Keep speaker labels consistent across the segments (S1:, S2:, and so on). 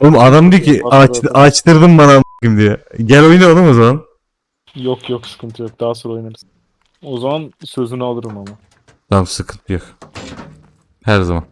S1: Oğlum adam diyor ki açtırdın bana a**ayım diye. Gel oyna oğlum o zaman.
S2: Yok yok, sıkıntı yok. Daha sonra oynarız. O zaman sözünü alırım ama.
S1: Tamam sıkıntı yok. Her zaman.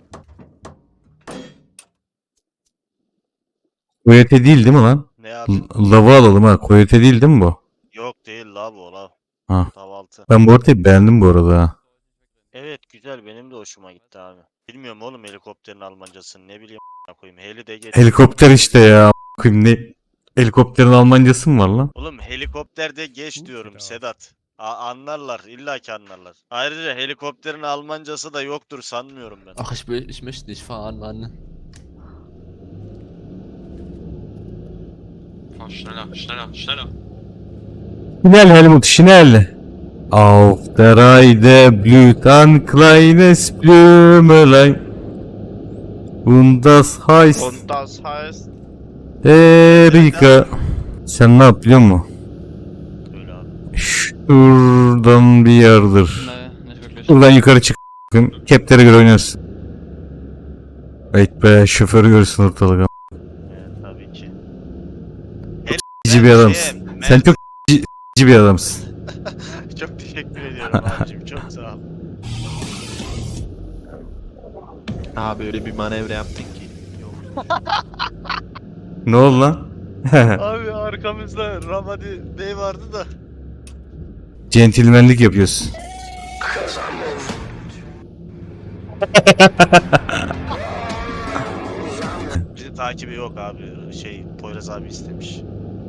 S1: Koyote değil değil mi lan?
S3: Ne abi?
S1: Lavı alalım ha. Koyote değil değil mi bu?
S3: Yok değil la bu la.
S1: Ha.
S3: Kahvaltı.
S1: Ben bu haritayı beğendim bu arada ha.
S3: Evet güzel, benim de hoşuma gitti abi. Bilmiyorum oğlum helikopterin Almancasını, ne bileyim a**ına koyayım. Heli de geç.
S1: Helikopter işte ya. a**ayım ne? Helikopterin Almancası mı var lan?
S3: Oğlum helikopterde geç diyorum Sedat. Anlarlar, illaki anlarlar. Ayrıca helikopterin Almancası da yoktur sanmıyorum ben.
S4: Ach, ich möchte nicht fahren, Mann.
S5: Fahr schneller, schneller, schneller.
S1: Schnell Helmut, schnell. Auf der Reide blüht ein kleines Blümelein. Und das heißt
S6: Und das heißt,
S1: Erika. Sen ne yap biliyor musun?
S3: Öyle abi.
S1: Şuradan bir yerdir.
S5: Nee, nicht wirklich.
S1: Buradan yukarı çık. Keplere göre oynarsın. Evet be, şoförü görürsün ortalık.
S3: Evet tabii ki.
S1: Bir adamsın. Sen çok bir adamsın.
S3: Çok teşekkür ediyorum abicim, çok sağ ol.
S6: abi öyle bir manevra yaptık ki. Yok.
S1: Ne oldu lan?
S3: Abi arkamızda Ramadi Bey vardı da.
S1: Centilmenlik yapıyorsun.
S3: Bizi takibi yok abi. Poyraz abi istemiş.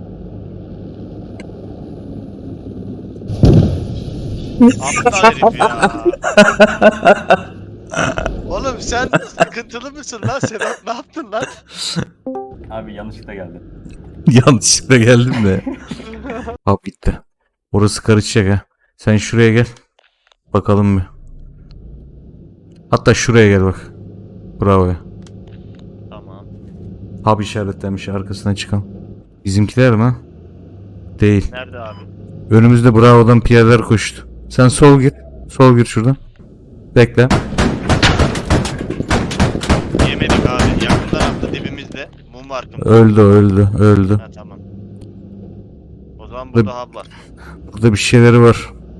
S3: Aptal herif ya. Oğlum sen sıkıntılı mısın lan Sedat? Ne yaptın lan?
S7: Abi yanlışlıkla geldi.
S1: Yanlışlıkla geldim de. Hop gitti. Orası karışacak ha. Sen şuraya gel. Bakalım bir. Hatta şuraya gel bak. Bravo ya.
S3: Tamam.
S1: Hub işaretlenmiş arkasına çıkan. Bizimkiler mi? Değil.
S3: Nerede abi?
S1: Önümüzde Bravo'dan piyadeler koştu. Sen sol gir. Sol gir şuradan. Bekle.
S3: Yemedik abi. Yakın tarafta dibimizde. Mum var kım.
S1: Öldü öldü öldü.
S3: Ha tamam. O zaman burada hub var.
S1: Burada bir şeyleri var.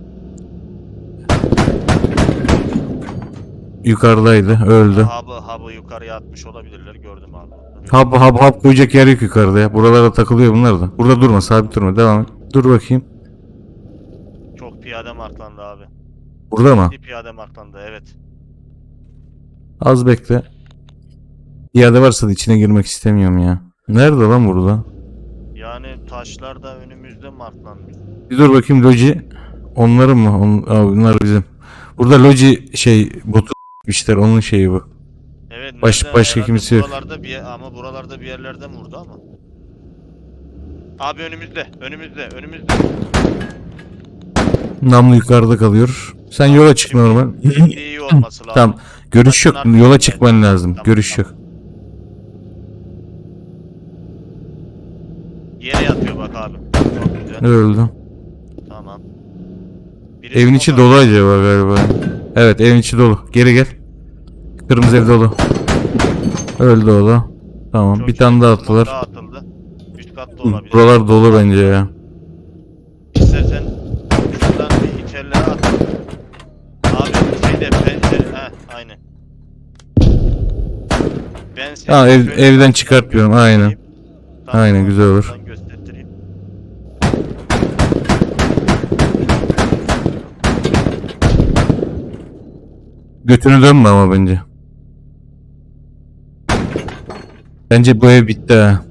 S1: Yukarıdaydı öldü.
S3: Hub'ı yukarıya atmış olabilirler, gördüm abi.
S1: Hub koyacak yer yok yukarıda ya. Buralara takılıyor bunlar da. Burada durma, sabit durma, devam et. Dur bakayım.
S3: Çok piyade marklandı abi.
S1: Burada mı?
S3: Bir piyade marklandı, evet.
S1: Az bekle. Piyade varsa da içine girmek istemiyorum ya. Nerede lan burada?
S3: Yani taşlar da önümüzde marklanmış.
S1: Bir dur bakayım Loji. Onların mı? Bunlar bizim. Burada Loji botu işler, onun şeyi bu.
S3: Evet.
S1: Başka
S3: herhalde
S1: kimse yok.
S3: ama buralarda bir yerlerde mi vurdu ama? Abi önümüzde.
S1: Namlu yukarıda kalıyor. Sen yola çık normal.
S3: İyi olması lazım.
S1: Tamam. Görüş yok.
S3: Taşın
S1: Yola
S3: arkasında.
S1: çıkman lazım.
S3: Tamam,
S1: Görüş
S3: tamam.
S1: yok.
S3: Yere yatıyor bak abi. Çok güzel.
S1: Öldü.
S3: Tamam. Biri
S1: Evin içi
S3: smoke
S1: dolu
S3: atıyor.
S1: acaba galiba. Evet, evin içi dolu. Geri gel. Kırmızı ev dolu. Öldü o da. Tamam.
S3: Çok
S1: bir
S3: iyi.
S1: tane daha
S3: Smoke
S1: attılar.
S3: daha atıldı. Üst katta olabilir.
S1: Buralar dolu bence ya.
S3: İstersen şuradan bir içerilere at. Abi pencere. Aynen. Ben seni
S1: Ha,
S3: şöyle
S1: evden
S3: karşıdan
S1: çıkartmıyorum,
S3: göstereyim.
S1: aynen.
S3: Tamam,
S1: Aynen, güzel olur.
S3: şuradan göstereyim.
S1: Götünü dönme ama bence. Bence bu ev bitti ha.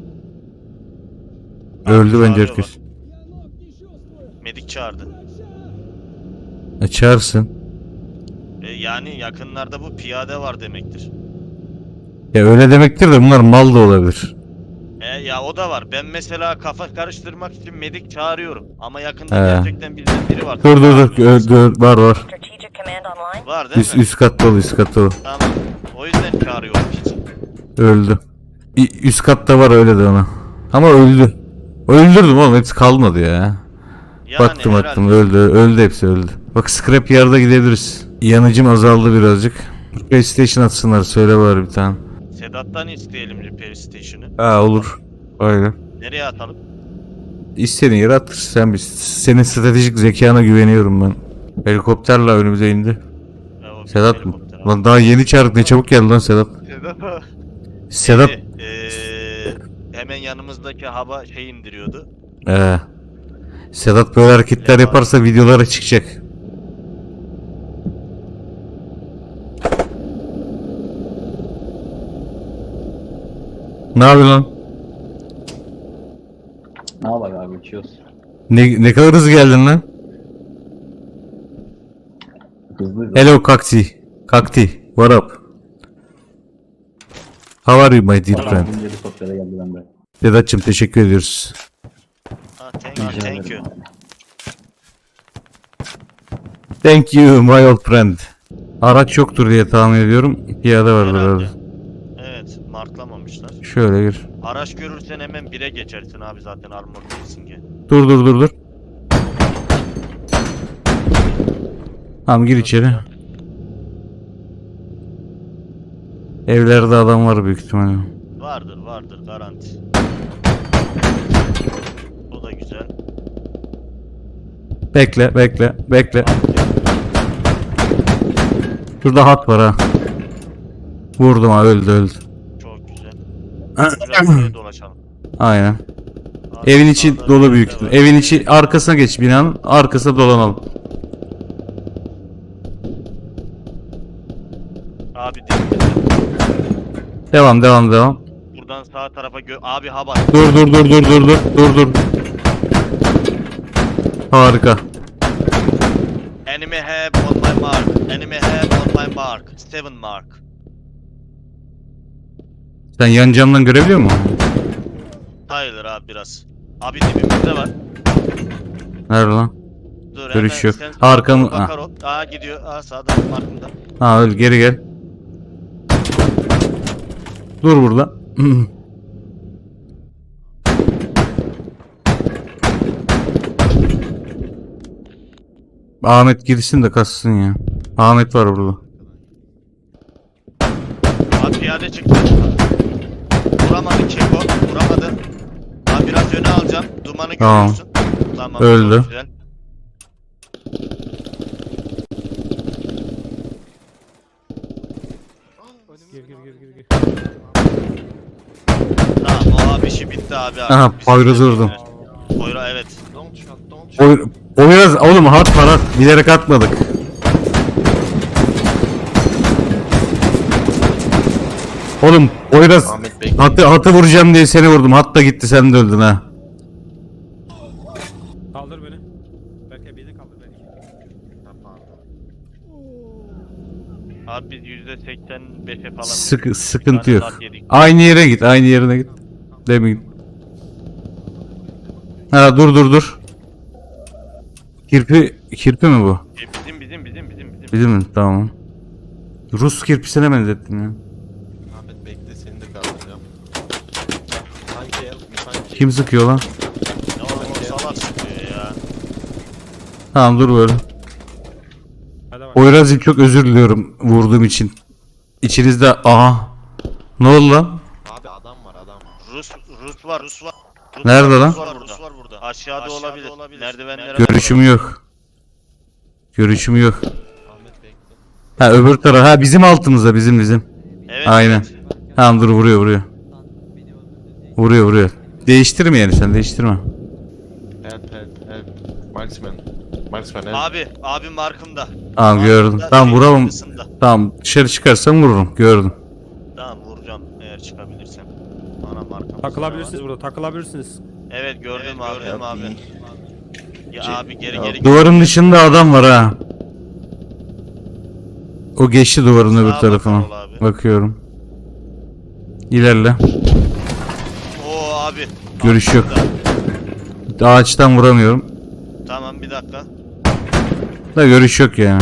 S1: Öldü bence
S3: çağırıyor
S1: herkes.
S3: Medik çağırdı.
S1: Çağırsın.
S3: Yani yakınlarda bu piyade var demektir.
S1: Ya öyle demektir de bunlar mal da olabilir.
S3: Ya o da var. Ben mesela kafa karıştırmak için medik çağırıyorum. Ama yakında
S1: He.
S3: gerçekten bizden biri var.
S1: Dur. Var.
S8: Strategic command online.
S3: Var değil mi?
S1: Üst kat dolu, üst kat dolu.
S3: Tamam. O yüzden çağırıyorum hiç.
S1: Öldü. Bir üst katta var, öyle de ona. Ama öldü. Öldürdüm oğlum, hepsi kalmadı ya.
S3: Yani
S1: Baktım
S3: herhalde.
S1: öldü hepsi öldü. Bak scrap yard'a gidebiliriz. Yanıcım azaldı birazcık. PlayStation atsınlar, söyle bari bir tane.
S3: Sedat'tan isteyelim repair station'ı.
S1: Ha olur. Aynen.
S3: Nereye atalım?
S1: İstediğin yere at. Sen bir, senin stratejik zekana güveniyorum ben. Helikopterle önümüze indi.
S3: Ya, o
S1: Sedat mı?
S3: helikopter abi.
S1: Lan daha yeni çağırdık, ne çabuk geldi lan Sedat. Sedat.
S3: Hemen yanımızdaki hava şey indiriyordu.
S1: Sedat böyle hareketler yaparsa videolara çıkacak. Ne yapıyorsun lan?
S7: Ne yapalım abi uçuyoruz.
S1: Ne kadar hızlı geldin lan?
S7: Hızlı.
S1: Hello Kakti. Kakti. What up? How are you my dear friend?
S7: Bizim helikoptere geldi bende.
S1: Sedat'cığım teşekkür ediyoruz.
S3: Thank you.
S1: Thank you my old friend. Araç yoktur diye tahmin ediyorum. Piyade vardır
S3: Herhalde.
S1: herhalde.
S3: Evet, marklamamışlar.
S1: Şöyle gir.
S3: Araç görürsen hemen 1'e geçersin abi zaten armor değilsin ki.
S1: Dur. Tamam gir içeri. Evlerde adam var büyük ihtimalle.
S3: Vardır garanti. Bu da güzel.
S1: Bekle. Şurada hat var ha. Vurdum ha, öldü.
S3: Çok güzel. Biraz buraya dolaşalım.
S1: Aynen.
S3: Abi,
S1: Evin içi
S3: sağda
S1: dolu
S3: bir
S1: büyük
S3: yer
S1: ihtimal.
S3: var.
S1: Evin içi arkasına geç, binanın arkasına dolanalım.
S3: Abi değil.
S1: Devam.
S3: Buradan sağ tarafa abi hava.
S1: Dur. Harika.
S3: Enemy have on my mark. Enemy have on my mark. 7 mark.
S1: Sen yan camdan görebiliyor musun?
S3: Tyler abi biraz. Abi dibimizde var.
S1: Nerede lan?
S3: Dur
S1: Görüş
S3: hemen
S1: yok.
S3: sen
S1: Arkamı-
S3: bakar ol. Aa gidiyor. Aa sağda markında.
S1: Ha öl, geri gel. Dur burada. Ahmet girsin de kassın ya. Ahmet var burada.
S3: Abi piyade çıktı. Vuramadı Keko. Vuramadı. Abi biraz öne alacağım. Dumanı
S1: Tamam.
S3: görüyorsun. Tamam.
S1: Öldü.
S3: çok güzel. Tamam o abi işi bitti abi.
S1: Aha,
S3: Biz
S1: Poyraz'ı
S3: de-
S1: vurdum.
S3: Poyraz evet.
S6: Don't shoot.
S1: O biraz oğlum hat var, bilerek atmadık. Oğlum o biraz
S6: Ahmet bekle.
S1: hatı vuracağım diye seni vurdum. Hat da gitti, sen de öldün ha.
S8: Kaldır beni. Belki beni kaldır belki.
S3: Abi biz %85'e falan.
S1: Sıkıntı yok.
S3: Saat yedik.
S1: Aynı yere git, aynı yerine git. Demin. Ha dur. Kirpi mi bu?
S3: Bizim.
S1: Bizim mi? Tamam. Rus kirpisine benzettin ya.
S6: Ahmet bekle, seni de kaldıracağım. Sanki help me, sanki.
S1: Kim sıkıyor lan?
S3: Ne oğlum o salak sıkıyor ya.
S1: Tamam dur böyle.
S8: Hadi bak.
S1: Poyraz'cığım çok özür diliyorum vurduğum için. İçinizde aha. Ne oldu lan?
S6: Abi adam var.
S3: Rus var.
S1: Nerede lan?
S3: Rus var burada. Aşağıda olabilir. Merdivenlere
S1: Görüşüm yok.
S6: Ahmet bekle.
S1: Ha öbür taraf. Ha bizim altımızda, bizim.
S3: Evet.
S1: Aynen.
S3: evet.
S1: Tamam dur, vuruyor. Vuruyor. Değiştirme yani, sen değiştirme.
S6: Help. Marksman help.
S3: Abi markımda.
S1: Tamam gördüm.
S3: Markımda,
S1: Tamam
S3: şeyin
S1: vuramam.
S3: arkasında.
S1: Tamam dışarı çıkarsam vururum. Gördüm.
S3: Tamam vuracağım eğer çıkabilirsem. Ana markam.
S8: Takılabilirsiniz burada, takılabilirsiniz.
S3: Evet gördüm abi. Ya abi geri
S1: Duvarın dışında adam var ha. O geçti duvarın öbür
S3: Sağa
S1: tarafına.
S3: bakar ol abi.
S1: Bakıyorum. İlerle.
S3: Oo abi.
S1: Görüş yok.
S3: Altında.
S1: Ağaçtan vuramıyorum.
S3: Tamam bir dakika.
S1: Da görüş yok yani.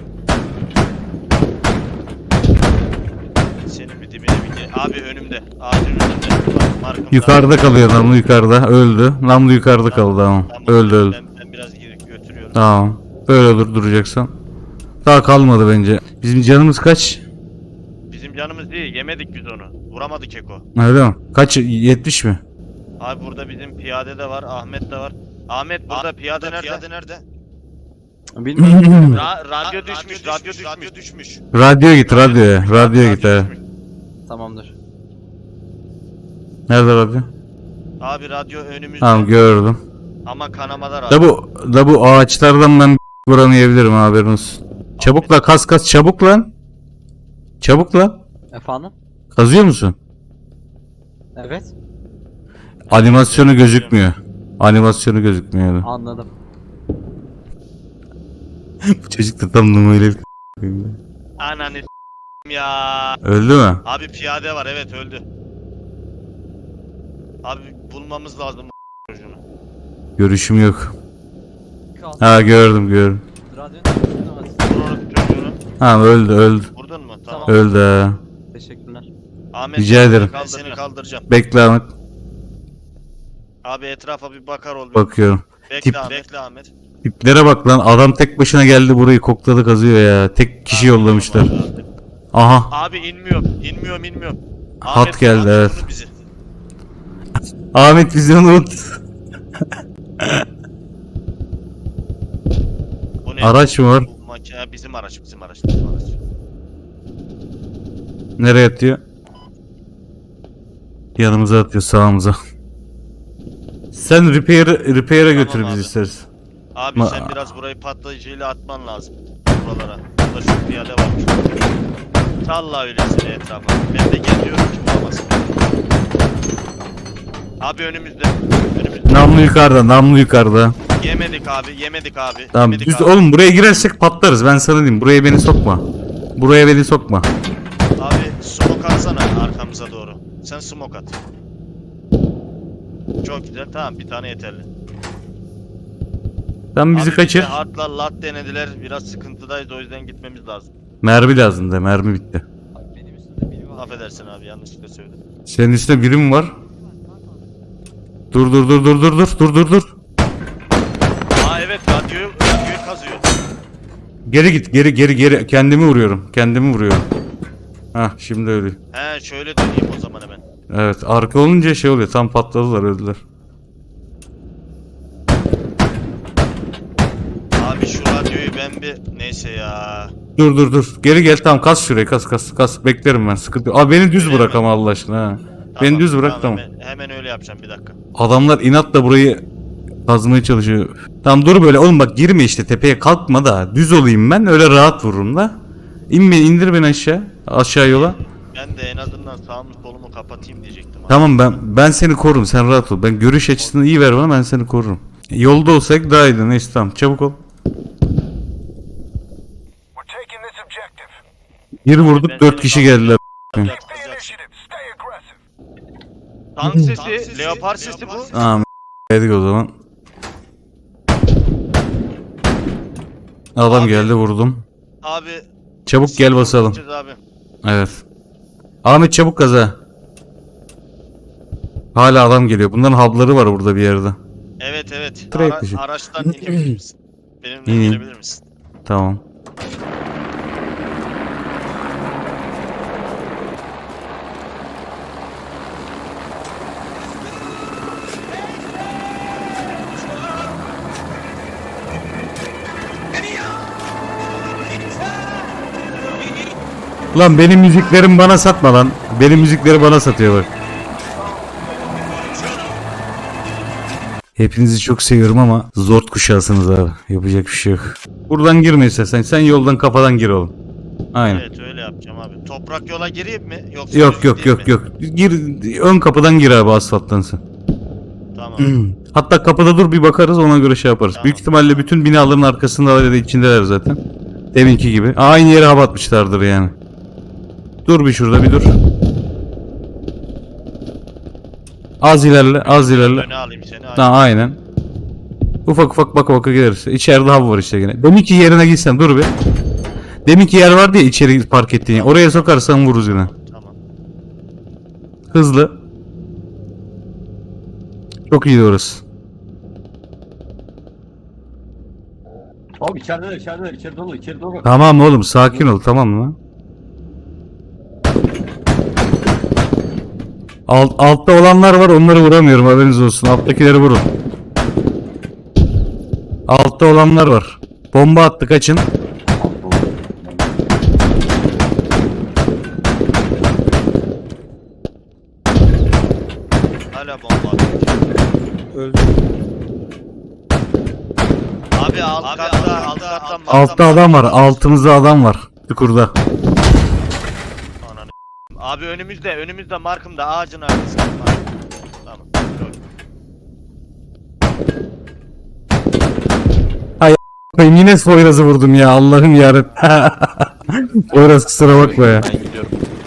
S3: Senin bir dibine abi önümde. Ağacın önünde. Bak, markımda.
S1: Yukarıda kalıyor namlu, yukarıda. Öldü. Namlu yukarıda kaldı ama.
S3: Tamam,
S1: Öldü.
S3: Ben biraz götürüyorum.
S1: Tamam. Böyle duracaksan. Daha kalmadı bence. Bizim canımız kaç?
S3: Bizim bizim canımız değil. Yemedik biz onu. Vuramadık Eko.
S1: Öyle mi? Kaç? 70 mi?
S3: Abi burada bizim piyade de var. Ahmet de var. Ahmet burada piyade nerede?
S6: Piyade nerede?
S7: Bilmiyorum.
S3: Radyo düşmüş. Radyo düşmüş.
S1: Radyoya git radyoya. Radyoya git ha.
S3: düşmüş.
S4: Tamamdır.
S1: Nerede radyo?
S3: Abi radyo önümüzde.
S1: Tamam gördüm.
S3: Ama kanamada radyo.
S1: Da bu ağaçlardan ben buranı yiyebilirim haberin olsun. Çabuk la kas çabuk lan. Çabuk lan.
S4: Efendim?
S1: Kazıyor musun?
S4: Evet.
S1: Animasyonu gözükmüyor. Animasyonu gözükmüyor.
S4: Anladım.
S1: Bu çocuk da tam numarayla
S3: Ananı s**eyim ya.
S1: öldü mü?
S3: Abi piyade var, evet öldü. Abi bulmamız lazım bu çocuğunu.
S1: Görüşüm yok.
S4: Kaldı.
S1: Ha gördüm.
S4: Radyonun
S3: Vur onu çocuğunu.
S1: Ha öldü.
S3: Vurdun mu? Tamam.
S1: Öldü ha.
S4: Teşekkürler.
S3: Ahmet
S1: Rica ederim.
S3: Ben seni kaldıracağım.
S1: Bekle Ahmet.
S3: Abi etrafa bir bakar ol.
S1: Bakıyorum.
S3: Bekle
S1: Tip-
S3: Ahmet. Bekle Ahmet.
S1: Tiplere bak lan. Adam tek başına geldi burayı kokladı kazıyor ya. Tek kişi yollamışlar. Aha.
S3: Abi inmiyorum. İnmiyorum.
S1: Hat geldi,
S3: Ahmet
S1: evet.
S3: vurdu bizi.
S1: Ahmet bizi unut.
S3: Bu ne?
S1: Araç mı var?
S3: Bu makine bizim araç.
S1: Nereye atıyor? Yanımıza atıyor sağımıza. Sen repair'a götür
S3: abi.
S1: bizi istersen.
S3: Abi
S1: Ma-
S3: sen biraz burayı patlayıcıyla atman lazım. Buralara. Burada şu piyade varmış. Salla öylesine etrafa. Ben de geliyorum ki bulamazsın. Abi önümüzde.
S1: Namlu yukarıda.
S3: Yemedik abi.
S1: Tamam
S3: Yemedik
S1: düz
S3: abi.
S1: oğlum buraya girersek patlarız ben sana diyeyim. Buraya beni sokma.
S3: Abi smoke atsana arkamıza doğru. Sen smoke at. Çok güzel. Tamam bir tane yeterli.
S1: Sen bizi
S3: Abi
S1: kaçır.
S3: bize hardla lat denediler. Biraz sıkıntıdayız o yüzden gitmemiz lazım.
S1: Mermi lazım da mermi bitti.
S4: Benim üstümde biri var.
S3: Affedersin abi yanlışlıkla söyledim.
S1: Senin üstünde biri mi var? Dur.
S3: Aa evet radyoyu kazıyor.
S1: Geri git geri. Kendimi vuruyorum. Hah şimdi öyle.
S3: He şöyle döneyim o zaman hemen.
S1: Evet arka olunca şey oluyor tam patladılar öldüler.
S3: Abi şu radyoyu ben bir neyse ya.
S1: Dur. Geri gel tamam kas şuraya kas. Beklerim ben sıkıntı yok. Abi beni düz
S3: Öyle
S1: bırak
S3: mi?
S1: ama Allah aşkına ha. Beni düz bırak tamam.
S3: Hemen öyle yapacağım bir dakika.
S1: Adamlar inatla burayı kazmaya çalışıyor. Tamam dur böyle oğlum bak girme işte tepeye kalkma da düz olayım ben öyle rahat vururum da. İndir beni aşağı yola.
S3: Ben de en azından sağımı solumu kapatayım diyecektim. abi.
S1: Tamam ben seni korurum sen rahat ol. Ben görüş açısını iyi ver bana ben seni korurum. Yolda olsak daha iyiydi neyse tamam çabuk ol. Bir vurduk
S3: Ben
S1: 4
S3: seni
S1: kişi geldiler.
S3: Kızacak. Tank sesi, leopar sesi bu.
S1: Tamam yedik o zaman. Adam
S3: Abi-
S1: geldi vurdum.
S3: Abi.
S1: Çabuk gel basalım.
S3: gideceğiz Abi.
S1: Evet. Ahmet çabuk kaza. Hala adam geliyor. Bunların hub'ları var burada bir yerde.
S3: Evet.
S1: Trade dışı.
S3: Araçtan inebilir misin? Benimle
S1: İneyim.
S3: inebilir misin?
S1: Tamam. Lan benim müziklerimi bana satma lan. Benim müzikleri bana satıyor bak. Hepinizi çok seviyorum ama zor kuşağısınız abi. Yapacak bir şey yok. Buradan girme istersen. Sen yoldan kafadan gir oğlum. Aynen.
S3: Evet öyle yapacağım abi. Toprak yola gireyim mi? Yoksa
S1: Yok
S3: düz
S1: yok
S3: gideyim
S1: yok
S3: mi?
S1: yok. Gir ön kapıdan gir abi asfalttansın.
S3: Tamam.
S1: Hatta kapıda dur bir bakarız ona göre şey yaparız.
S3: Tamam.
S1: Büyük ihtimalle bütün binaların arkasında ya da içindeler zaten. Deminki gibi. Aynı yere hava atmışlardır yani. Dur bir şurada bir dur. Az ilerle.
S3: Öne alayım seni.
S1: Tamam aynen. Ufak baka gideriz. İçeride hava var işte yine. Deminki yerine gitsen dur bir. Deminki yer vardı ya içeri park ettiğin yer. Oraya sokarsan vururuz yine.
S3: Tamam.
S1: Hızlı. Çok iyi orası.
S7: Abi içeri dolu. İçeri dolu.
S1: Tamam oğlum sakin ol tamam mı? Altta olanlar var, onları vuramıyorum, haberiniz olsun. Alttakileri vurun. Altta olanlar var. Bomba attı, kaçın.
S3: Hala bomba atıyor.
S8: Öldü.
S3: Abi alt katta
S1: Altta adam var, altımızda adam var. Çukurda.
S3: Ananı. Abi önümüzde markımda ağacın arkasında. Tamam.
S1: Ben yine Poyraz'ı vurdum ya, Allah'ım yarabbim. Poyraz kusura bakma ya.
S7: Ben gidiyorum.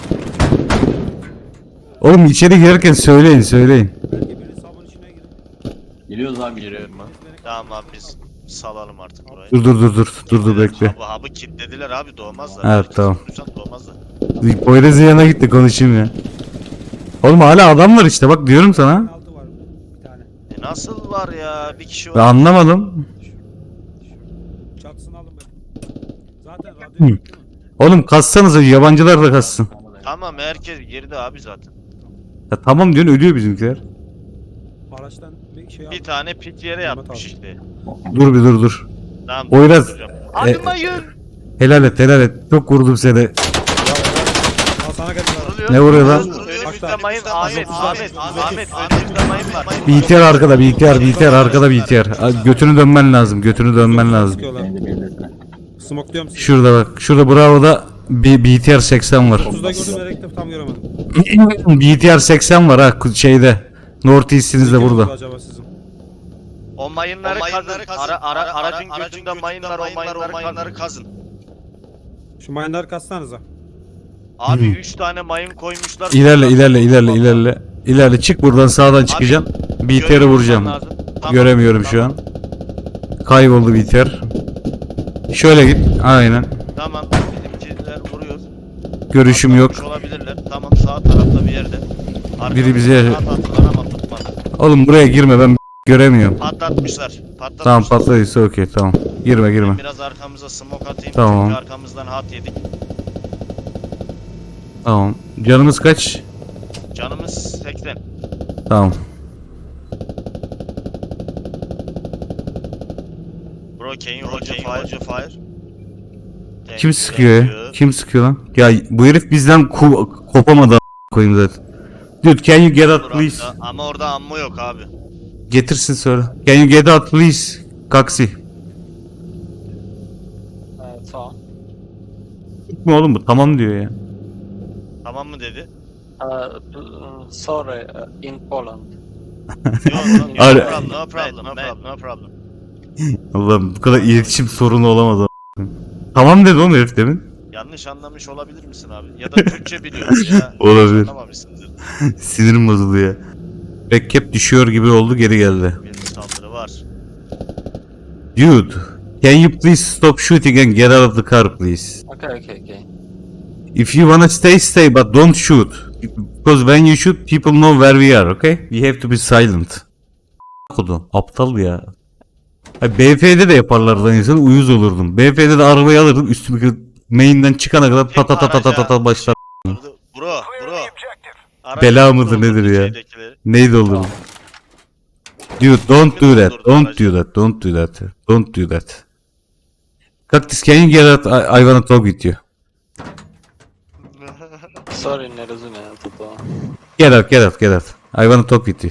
S1: Oğlum içeri girerken söyleyin.
S8: Belki biri sabun içine girin.
S7: Geliyoruz abi giriyorum ben.
S3: Tamam abi biz salalım artık burayı.
S1: Dur bekle.
S3: Hub'ı kilitlediler abi, doğmazlar.
S1: Evet,
S3: Herkes
S1: tamam.
S3: vurursan doğmazlar.
S1: Poyraz'ın yanına gitti, konuşayım ya. Oğlum hala adam var işte, bak diyorum sana.
S8: Altı var bir tane.
S3: Nasıl var ya, bir kişi
S1: Ben
S3: var.
S1: anlamadım.
S8: Çatısını alın ben. Zaten radyo
S1: Hı.
S8: yok değil mi?
S1: Oğlum kassanıza, yabancılar da kassın.
S3: Tamam herkes girdi abi zaten.
S1: Ya tamam diyorsun, ölüyor bizimkiler.
S8: Araçtan bir şey
S3: Bir
S8: aldım.
S3: tane pit yere
S8: Tamam,
S3: yatmış
S8: tamam.
S3: işte.
S1: Dur.
S3: Tamam.
S1: Poyraz,
S3: duracağım. Abi mayın.
S1: Helal et. Çok vurdum seni.
S8: Al sana geldi.
S3: Vuruluyor.
S1: Ne vuruyor lan?
S3: Önümüzde mayın. Ahmet. Önümüzde mayın var.
S1: BTR arkada, BTR arkada BTR. Götünü dönmen lazım.
S8: Sıkıyorlar. Smokluyorum sizi.
S1: Şurada bak. Şurada Bravo'da bir BTR 80 var.
S8: 30'da gördüm elektif tam göremedim.
S1: BTR 80 var ha şeyde. North East'inizde
S8: Kim
S1: burada.
S8: oldu acaba sizin?
S3: O mayınları kazın. Aracın götünde mayın var. O mayınları kazın.
S8: Şu mine'ları kassanıza.
S3: Abi 3 tane mayın koymuşlar.
S1: İlerle çık buradan, sağdan çıkacaksın. BTR'i vuracağım. Göremiyorum şu an. Kayboldu BTR. Şöyle git. Aynen.
S3: Tamam. Bizimkiler vuruyor.
S1: Görüşüm yok.
S3: Atlamış olabilirler. Tamam, sağ tarafta bir yerde.
S1: Biri bize-
S3: Patlattılar ama tutmadı.
S1: Oğlum buraya girme, ben göremiyorum.
S3: Patlatmışlar.
S1: Tamam, patladıysa okey, tamam. Girme.
S3: Biraz arkamıza smoke atayım.
S1: Tamam.
S3: Çünkü arkamızdan hat yedik.
S1: Tamam. Canımız kaç?
S3: Canımız 80.
S1: Tamam.
S3: Bro, can you hold your fire?
S1: Kim sıkıyor ya? Kim sıkıyor lan? Ya bu herif bizden kopamadı koyayım zaten. Dude, can you get out please?
S3: Ama orada ammo yok abi.
S1: Getirsin söyle. Can you get out please? Kaksi.
S4: Tamam.
S1: Gitme oğlum bu, tamam diyor ya.
S3: Tamam mı dedi?
S4: Sorry, in Poland.
S3: Yok,
S1: Abi-
S3: no problem.
S1: Allah'ım, bu kadar iletişim sorunu olamaz a**. Tamam dedi oğlum herif demin.
S3: Yanlış anlamış olabilir misin abi? Ya da Türkçe biliyorsun ya.
S1: Olabilir.
S3: Anlamamışsındır.
S1: Sinirim bozuldu ya. Backup düşüyor gibi oldu, geri geldi.
S3: Bir saldırı var.
S1: Dude, can you please stop shooting and get out of the car please?
S4: Okay.
S1: If you wanna stay, but don't shoot. Because when you shoot, people know where we are, okay? We have to be silent. Kodum, aptal ya. Ay, BF'de de yaparlardı insan, uyuz olurdum. BF'de de arabayı alırdım, üstümü main'den çıkana kadar ta başlar.
S3: Bro.
S1: Bela mıdır nedir ya?
S3: Şeydekileri.
S1: Neydi olurdum? Dude, don't do that. Cactus, can you get out? I wanna talk with you.
S4: Sorry, nie rozumiem to.
S1: Get out. I wanna talk with you.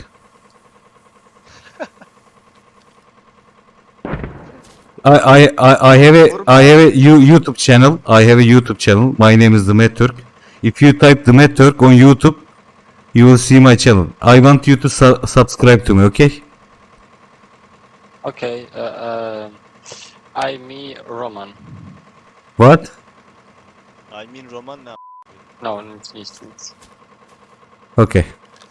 S1: I have a YouTube channel. My name is Demet Türk. If you type Demet Türk on YouTube, you will see my channel. I want you to subscribe to me, okay?
S4: Okay, I'm Roman.
S1: What?
S3: I mean Roman ne?
S4: No, nic.
S1: Okay.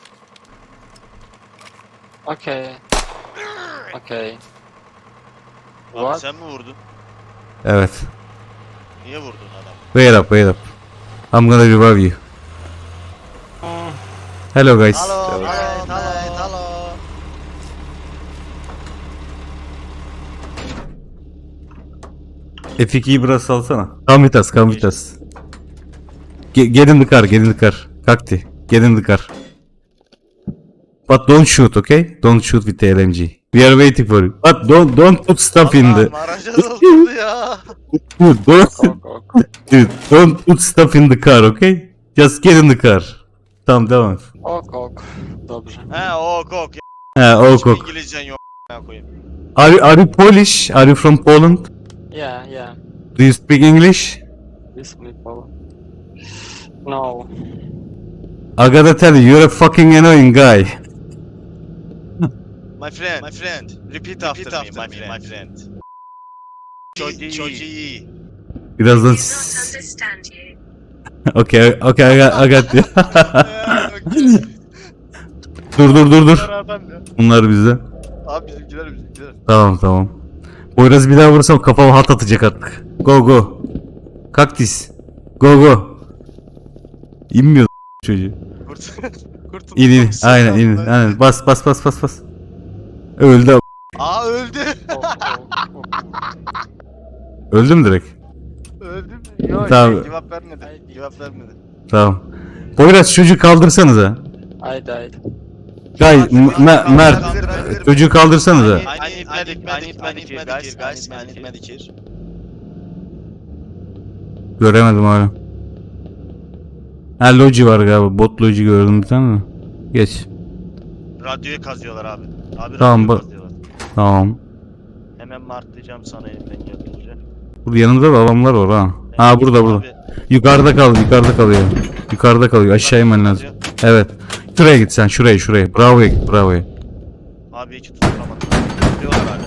S4: Okay.
S3: Abi
S4: What?
S3: sen mi vurdun?
S1: Evet.
S3: Niye vurdun adam?
S1: Wait up. I'm gonna revive you. Hello guys.
S3: Hello.
S1: F2'yi biraz salsana. Come with us. Get in the car. Kakti. Get in the car. But don't shoot, okay? Don't shoot with the LMG. We are waiting for you. But don't put stuff in the...
S3: Allah'ım araca doldurdu ya.
S1: Dude, don't put stuff in the car, okay? Just get in the car. Tamam devam et.
S4: Ok. Dobrze.
S3: He ok ok.
S1: Ha, ok
S3: Hiçbir
S1: ok.
S3: İngilizcen yok. Koyayım.
S1: Are you Polish? Are you from Poland?
S4: Yeah.
S1: Do you speak English?
S4: This people. No.
S1: I gotta tell you, you're a fucking annoying guy.
S3: My friend. Repeat after me, my friend. Çok iyi.
S1: Birazdan...
S9: understand you.
S1: Okay, I got you. Dur. Bunlar bizde.
S3: Abi bizimkiler.
S1: Tamam. Poyraz bir daha vursam kafama hat atacak artık. Go. Kaktis. Go. İnmiyor çocuğu.
S3: Kurtulduk.
S1: İn. Aynen. Bas. Öldü.
S3: Aa öldü.
S1: Öldüm direkt.
S3: Öldü mü? Yok
S1: Tamam.
S3: cevap vermedi.
S1: Tamam. Poyraz çocuğu kaldırsanıza.
S4: I died.
S1: Gay, Mert. Çocuğu kaldırsanıza.
S3: I need medikir guys. I need medikir.
S1: Göremedim hala. Ha loji var galiba. Bot loji gördüm bir tane de. Geç.
S3: Radyoyu kazıyorlar abi.
S1: Tamam,
S3: radyoyu
S1: bak.
S3: kazıyorlar.
S1: Tamam.
S3: Hemen martlayacağım sana elimden geldiğince.
S1: Burada yanımda da adamlar var ha. Ha burada.
S3: Abi,
S1: Yukarıda kalıyor. Yukarıda kalıyor. Aşağı inmen lazım. Evet. Şuraya git sen. Şuraya. Bravo'ya git.
S3: Abi hiç tutturamadım. Diyorlar hala.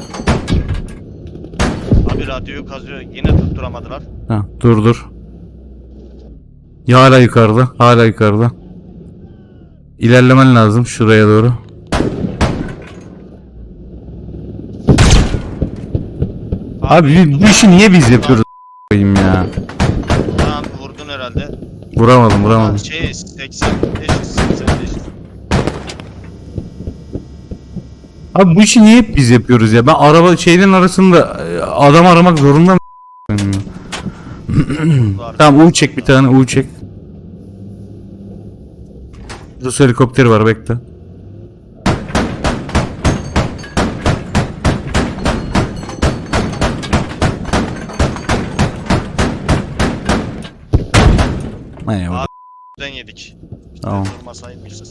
S3: Abi radyoyu kazıyor. Yine tutturamadılar.
S1: Ha, dur. Ya hala yukarıda. İlerlemen lazım şuraya doğru. Abi bu işi niye biz yapıyoruz a**ayım ya?
S3: Tamam vurdun herhalde.
S1: Vuramadım.
S3: 80 eşit.
S1: Abi bu işi niye hep biz yapıyoruz ya? Ben araba şeylerin arasında adam aramak zorunda mı? Tamam U çek bir tane U çek. Rus helikopteri var bekle. Eyvallah.
S3: Ben yedik.
S1: Tamam.
S3: Durmasaymışız.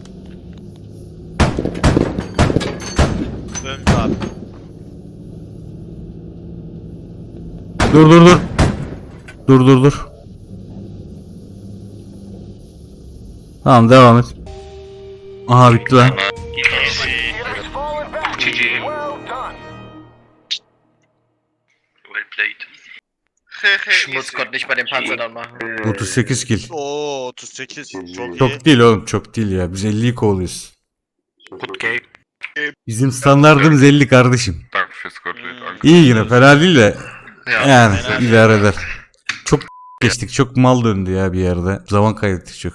S3: Öldü abi.
S1: Dur. Tamam devam et. Aha bitti lan.
S5: Well played.
S6: Schmutz konnte nicht bei den Panzern machen.
S1: 38 kill.
S3: Oo 38. Çok iyi.
S1: Çok değil oğlum çok değil ya. Biz 50'yi kovalıyoruz.
S5: Good game.
S1: Bizim standartımız 50 kardeşim.
S5: Danke fürs Gottlieb.
S1: İyi yine fena değil de. Yani
S3: fena
S1: idare eder. Çok geçtik çok mal döndü ya bir yerde. Zaman kaybettik çok.